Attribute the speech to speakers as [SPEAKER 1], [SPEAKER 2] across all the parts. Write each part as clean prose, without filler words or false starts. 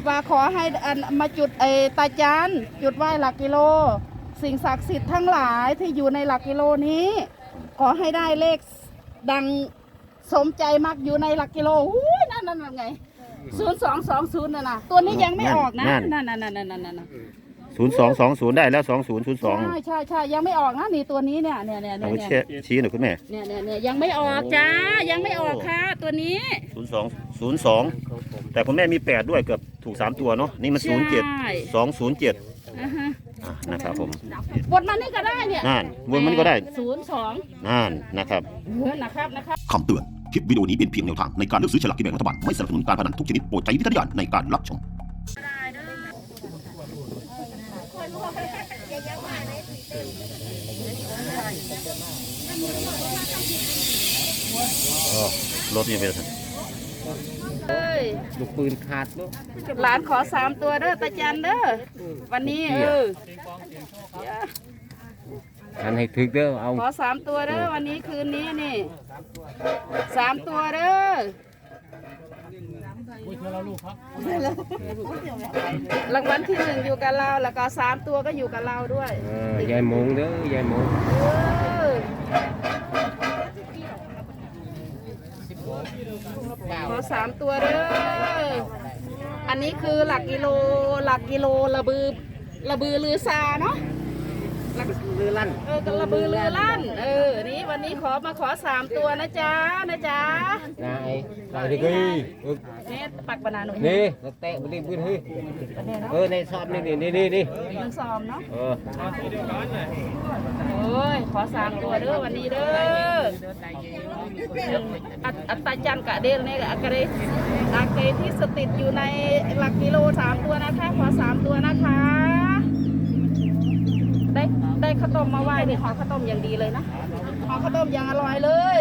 [SPEAKER 1] ว่าขอให้มาจุดตาจานจุดไหว้หลักกิโลสิ่งศักดิ์สิทธิ์ทั้งหลายที่อยู่ในหลักกิโลนี้ ขอให้ได้เลขดังสมใจมากอยู่ในหลักกิโลนั่นไง0220นะตัวนี้ยังไม่ออกนะนั่น
[SPEAKER 2] 0220ได้แล้ว2002
[SPEAKER 1] ใช่ยังไม่ออกนะนี่ตัวนี้เนี่ย
[SPEAKER 2] เอาชี้หน่อยคุณแม่
[SPEAKER 1] เนี่ยยังไม่ออกจ้ายังไม่ออกค่ะตัวนี้
[SPEAKER 2] 02แต่คุณแม่มี8ด้วยเกือบถูก3ตัวเนาะนี่มัน07 207นะครับผม
[SPEAKER 1] วนมันนี่ก็ได้เนี่ย
[SPEAKER 2] นั่นวนมันก็ได้
[SPEAKER 1] 02
[SPEAKER 2] นั่นนะครับ
[SPEAKER 3] คำเตือนคลิปวิดีโอนี้เป็นเพียงแนวทางในการเลือกซื้อฉลากกินแบ่งรัฐบาลไม่สนับสนุนการพนันทุกชนิดโปรดใช้วิจารณญาณในการรับชม
[SPEAKER 2] รถนี่เป็น
[SPEAKER 4] ลูกปืนขาดลูก
[SPEAKER 1] หลานขอ3ตัวเด้อตาจันเด้อวันนี้
[SPEAKER 4] อันให้ถึกเด้อเอา
[SPEAKER 1] ขอ3ตัวเด้อวันนี้คืนนี้นี่3ตัวเด้อรางวัลที่1อยู่กับเราแล้วก็3ตัวก็อยู่กับเราด้วย
[SPEAKER 4] ยายมงเด้อยายมง
[SPEAKER 1] ขอ3ตัวเด้ออันนี้คือหลักกิโลระบือลือซาเนาะ
[SPEAKER 4] ลือลั่น
[SPEAKER 1] กระบือลือลั่นนี่วันนี้ขอ3ตัวนะจ๊ะ
[SPEAKER 4] นายไปดิ
[SPEAKER 1] นี่ปักบานาหนุ่ม
[SPEAKER 4] นี่เตะมันดิพื้นเฮ้ยในซอมนี่
[SPEAKER 1] มันซ้อมเนาะขอ3ตัวเด้อวันนี้เด้ออัตตาจันกะเดลเนี่ยกะเดอาเกที่สติดอยู่ในหลักกิโล3ตัวนะคะขอ3ตัวนะคะได้ข้าวต้มมาไหว้นี่ห่อข้าวต้มอย่างดีเลยนะห่อข้าวต้มอย่างอร่อยเลย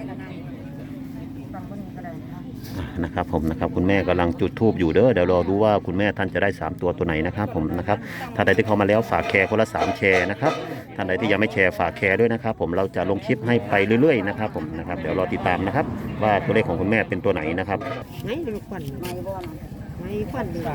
[SPEAKER 2] นะครับผมนะครับคุณแม่กำลังจุดธูปอยู่เด้อเดี๋ยวรอดูว่าคุณแม่ท่านจะได้3ตัวไหนนะครับผมนะครับท่านใดที่เข้ามาแล้วฝากแชร์คนละ3แชร์นะครับท่านใดที่ยังไม่แชร์ฝากแชร์ด้วยนะครับผมเราจะลงคลิปให้ไปเรื่อยๆนะครับผมนะครับเดี๋ยวรอติดตามนะครับว่าตัวเลขของคุณแม่เป็นตัวไหนนะครับ
[SPEAKER 1] ไม่ลูกขวัญไม่ขวัญดี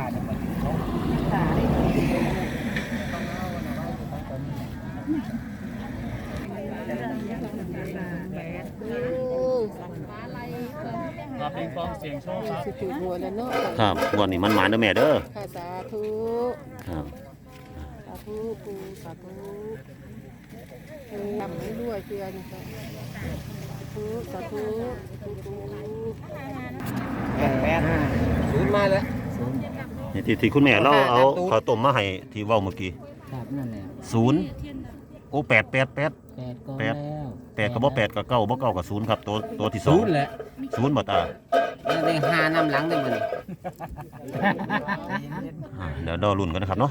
[SPEAKER 5] เป็นฟองเสียงโชค
[SPEAKER 2] ครับวันนี้มันหมานเด้อแม่เด้อ
[SPEAKER 1] สาธุ
[SPEAKER 2] ครับ
[SPEAKER 1] สาธุปูสาธุทำให้ด้วยเพื่อนสาธุ
[SPEAKER 4] 08มาแล้ว
[SPEAKER 2] นี่ที่คุณแม่เราเอาข้าวต้มมาให้ที่เว้าเมื่อกี้
[SPEAKER 4] ครับนั่นแหละ
[SPEAKER 2] 0โอ้8ก็บ่8ก็9บ่9ก็0ครับตัวที่2
[SPEAKER 4] 0แหละ
[SPEAKER 2] 0บ่ตา
[SPEAKER 4] ได้5นำหลังได้มื้อนี้
[SPEAKER 2] เดี๋ยวรอลุ้นกันนะครับเนาะ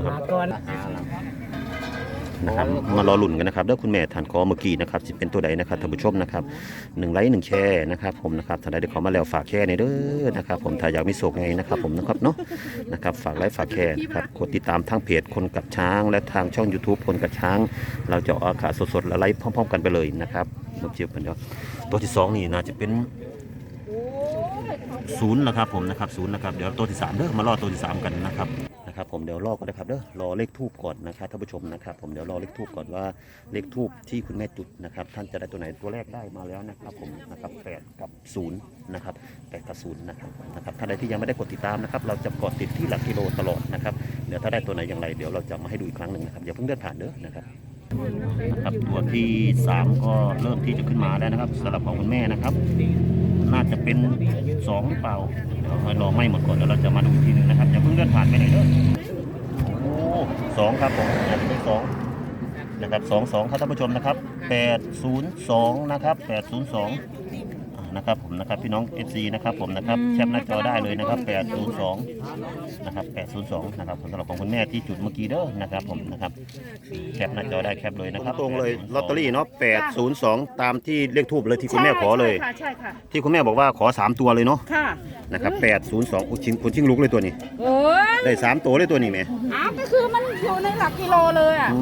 [SPEAKER 2] นะครับมารอลุ้นกันนะครับเด้อคุณแม่ท่านขอเมื่อกี้นะครับสิเป็นตัวใดนะครับท่านผู้ชมนะครับ1ไลค์1แชร์นะครับผมนะครับท่านใดที่ขอมาแล้วฝากแชร์ในเด้อนะครับผมถ้าอยากมีโชคไงนะครับผมนะครับเนาะนะครับฝากไลค์ฝากแชร์นะครับกดติดตามทางเพจคนกับช้างและทางช่อง YouTube คนกับช้างเราจะออกอากาศสดๆและไลฟ์พร้อมๆกันไปเลยนะครับมาเจอกันเดี๋ยวตัวที่2นี่น่าจะเป็น0นะครับผมนะครับ0นะครับเดี๋ยวตัวที่3เด้อมารอตัวที่3กันนะครับผมเดี๋ยวรอก่อนนะครับเด้อรอเลขทูบก่อนนะครับท่านผู้ชมนะครับผมเดี๋ยวรอเลขทูบก่อนว่าเลขทูบที่คุณแม่จุดนะครับท่านจะได้ตัวไหนตัวแรกได้มาแล้วนะครับผมนะครับ8กับ0นะครับ8กับ0นะครับท่านใดที่ยังไม่ได้กดติดตามนะครับเราจะกดติดที่หลักกิโลตลอดนะครับเดี๋ยวถ้าได้ตัวไหนอย่างไรเดี๋ยวเราจะมาให้ดูอีกครั้งหนึ่งนะครับอย่าเพิ่งเดินผ่านเด้อนะครับตัวที่3ก็เริ่มที่จะขึ้นมาแล้วนะครับสำหรับของคุณแม่นะครับน่าจะเป็น2หรือเปล่าเดี๋ยวให้รอไม่หมดก่อนแล้วเราจะมาดูทีนึงนะครับอย่าเพิ่งเลื่อนผ่านไปไหนเด้อโอ้2ครับผมอาจจะเป็น2นะครับ22ครับท่านผู้ชมนะครับ802นะครับ802นะครับผมนะครับพี่น้อง FC นะครับผมนะครับแคปหน้าจอได้เลยนะครับ802นะครับ802นะครับสำหรับของคุณแม่ที่จุดเมื่อกี้เด้อนะครับผมนะครับแคปหน้าจอได้แคปเลยนะครับตรงเลยลอตเตอรี่เนาะ802ตามที่เลขทูบเลยที่คุณแม่ขอเลย
[SPEAKER 1] ใช่ค่ะ
[SPEAKER 2] ที่คุณแม่บอกว่าขอ3ตัวเลยเนาะ
[SPEAKER 1] ค่ะ
[SPEAKER 2] นะครับ802คุณชิงลุกเลยตัวนี้ได้3ตัวเลยตัวนี้แม่
[SPEAKER 1] ก็คือมันอยู่ในหลักกิโลเลยอ่ะ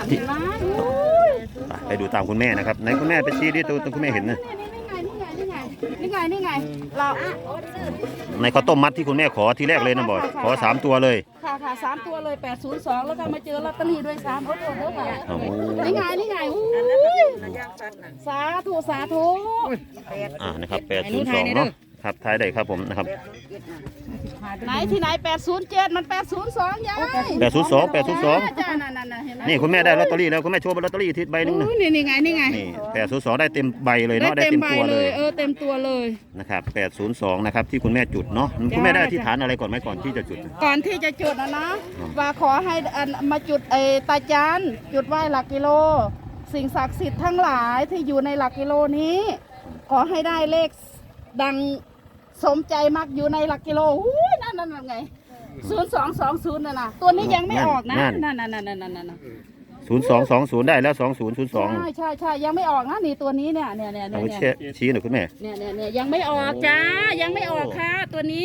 [SPEAKER 2] ไปดูตามคุณแม่นะครับไหนคุณแม่ไปชี้ดิตัวคุณแม่เห็นนะ
[SPEAKER 1] นี่ไงเรา
[SPEAKER 2] ในข้าวต้มมัดที่คุณแม่ขอทีแรกเลยนะบอกขอ3ตัวเลย
[SPEAKER 1] ค่ะ3ตัวเลย802แล้วก็มาเจอลอตเตอรี่ด้วย3โอ้โหเด้อค่ะ
[SPEAKER 2] โอ้โห
[SPEAKER 1] นี่ไงอู้ยสาธุ
[SPEAKER 2] นะครับ802เนาะครับท้ายได้ครับผมนะครับ
[SPEAKER 1] ไหนที่ไหน807มัน802ยาย
[SPEAKER 2] 802
[SPEAKER 1] จ้านั่นเห็นไหม
[SPEAKER 2] นี่คุณแม่ได้ลอตเตอรี่แล้วคุณแม่โชว์ลอตเตอรี่ที่ใบหนึงนะ
[SPEAKER 1] อู้นี่ไง
[SPEAKER 2] นี่802ได้เต็มใบเลยเนาะได้เต็มตัวเลย
[SPEAKER 1] เต็มตัวเลย
[SPEAKER 2] นะครับ802นะครับที่คุณแม่จุดเนาะคุณแม่ได้อธิษฐานอะไรก่อนไหมก่อนที่จะจุด
[SPEAKER 1] ก่อนที่จะจุดนะว่าขอให้มาจุดตาจานจุดไหว้หลักกิโล สิ่งศักดิ์สิทธิ์ทั้งหลายที่อยู่ในหลักกิโลนี้ ขอให้ได้เลขดังสมใจมักอยู่ในหลักกิโลนั่นไง0220นะตัวนี้ยังไม่ออกนะนั่น
[SPEAKER 2] 0220ได้แล้ว2002
[SPEAKER 1] ใช่ยังไม่ออกนะนี่ตัวนี้เนี่ย
[SPEAKER 2] เอาชี้หน่อยคุณแม่
[SPEAKER 1] เนี่ยยังไม่ออกจ้ายังไม่ออกค่ะตัวนี้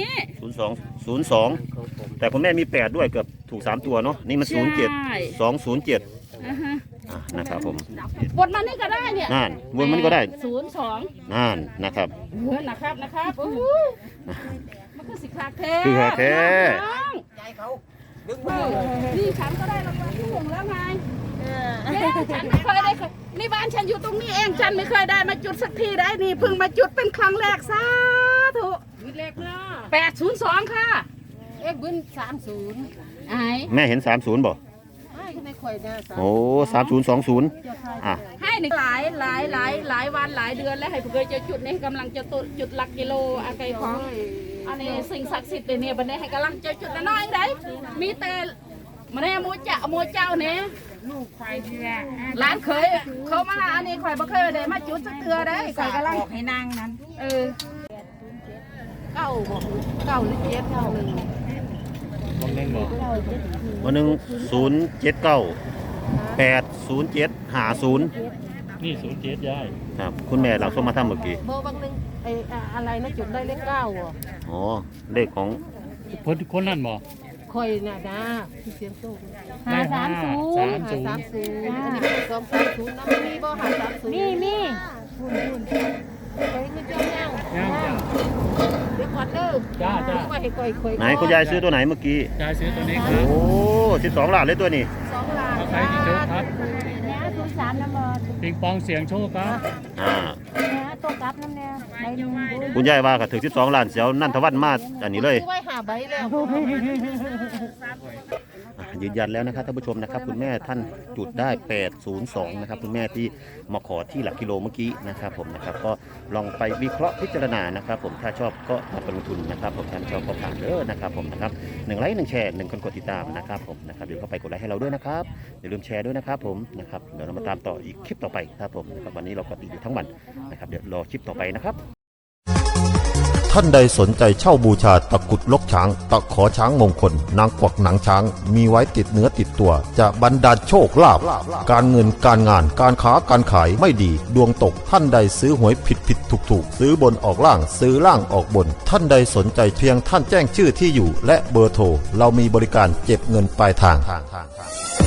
[SPEAKER 2] 02แต่คุณแม่มี8ด้วยเกือบถูก3ตัวเนาะนี่มัน07
[SPEAKER 1] อ่าฮะ
[SPEAKER 2] นะครับผม
[SPEAKER 1] บทมันนี่ก็ได้เนี่ย
[SPEAKER 2] นั่นวนมันก็ได้
[SPEAKER 1] 02
[SPEAKER 2] นั่นนะครับ
[SPEAKER 1] นะครับมันคือสิคาแท้
[SPEAKER 2] คือคาแท้
[SPEAKER 1] นี่ฉันก็ได้รางวัลที่1แล้วไงฉันไม่เคยได้นี่บ้านฉันอยู่ตรงนี้เองฉันไม่เคยได้มาจุดสักทีได้นี่เพิ่งมาจุดเป็นครั้งแรกสาธุเลขเนาะ802ค่ะเอ็กบึ้น30ไอ้
[SPEAKER 2] แม่เห็น30บ่โอ้3020
[SPEAKER 1] ให้หนึ่งหลายวันหลายเดือนแล้วให้เคยจะจุดนี่กำลังจะจุดหลักกิโลอะไรของอันนี้สิ่งศักดิ์สิทธิ์เนี่ยบันนี้ให้กำลังจะจุดน้อยได้มีแต่มาเนี่ยโมเจ้าเนี่ยลูกควายเรือร้านเคยเขามาอันนี้ควายบ่เคยได้มาจุดสักเตือได้ควายกำลังให้นางนั้นเก้าหรือ7 9
[SPEAKER 2] วันหนึ่ง079 80750
[SPEAKER 5] นี่07ยาย
[SPEAKER 2] ครับคุณแม่เราส่งมาทำเมื่อกี้
[SPEAKER 1] เบอร์บางนึงอะไรนะจุดได้เลข9อ่ะ
[SPEAKER 2] อ๋อเลขของ
[SPEAKER 5] คนนั่นบ่
[SPEAKER 1] คอยน่ะนะที่เสียงโซ่
[SPEAKER 5] 530
[SPEAKER 1] อันนี้เป็น230นะมีบ่530มีคุณไปเงินเจ้าย่าง
[SPEAKER 5] ย่างจ้ะ
[SPEAKER 1] เดี๋ยวก่อนเด้อ
[SPEAKER 5] จ้า
[SPEAKER 1] ว่าให้ก่อย
[SPEAKER 2] ไหนคุณยายซื้อตัวไหนเมื่อกี้
[SPEAKER 5] ยายซื้อตัวนี้ค
[SPEAKER 2] โอ้
[SPEAKER 5] รับ
[SPEAKER 2] 12ล้านเลยตัวนี้
[SPEAKER 1] 2 ล้าน
[SPEAKER 5] เอาใครที่โจ๊กครับ
[SPEAKER 6] เนี่ยศูนย์สามน้ำมัน
[SPEAKER 5] ปิงปองเสียงโชคครับ
[SPEAKER 6] เนี่ยตัวกลับน้ำเนี่ยใบหนึ่งบุญ
[SPEAKER 2] คุณยายว่าก็ถึง12ล้านเสียวนั่นทวันมาอันนี้เลย
[SPEAKER 1] ซื้อไว้5ใบแล้ว
[SPEAKER 2] ยืนยันแล้วนะครับท่านผู้ชมนะครับคุณแม่ท่านจุดได้802นะครับคุณแม่ที่มาขอที่หลักกิโลเมื่อกี้นะครับผมนะครับก็ลองไปวิเคราะห์พิจารณานะครับผมถ้าชอบก็มาลงทุนนะครับผมถ้าไม่ชอบก็ผ่านเด้อนะครับผมนะครับ1 ไลค์ 1 แชร์ 1 คนกดติดตามนะครับผมนะครับเดี๋ยวเข้าไปกดไลค์ให้เราด้วยนะครับอย่าลืมแชร์ด้วยนะครับผมนะครับเดี๋ยวเรามาตามต่ออีกคลิปต่อไปครับผมนะครับวันนี้เราก็ติดอยู่ทั้งวันนะครับเดี๋ยวรอคลิปต่อไปนะครับ
[SPEAKER 3] ท่านใดสนใจเช่าบูชาตะกรุดลกช้าง ตะขอช้างมงคล นางกวักหนังช้าง มีไว้ติดเนื้อติดตัว จะบรรดาลโชคลาภการเงินการงานการค้าการขายไม่ดี ดวงตกท่านใดซื้อหวยผิดถูกซื้อบนออกล่างซื้อล่างออกบน ท่านใดสนใจเพียงท่านแจ้งชื่อที่อยู่ และเบอร์โทรเรามีบริการเก็บเงินปลายทาง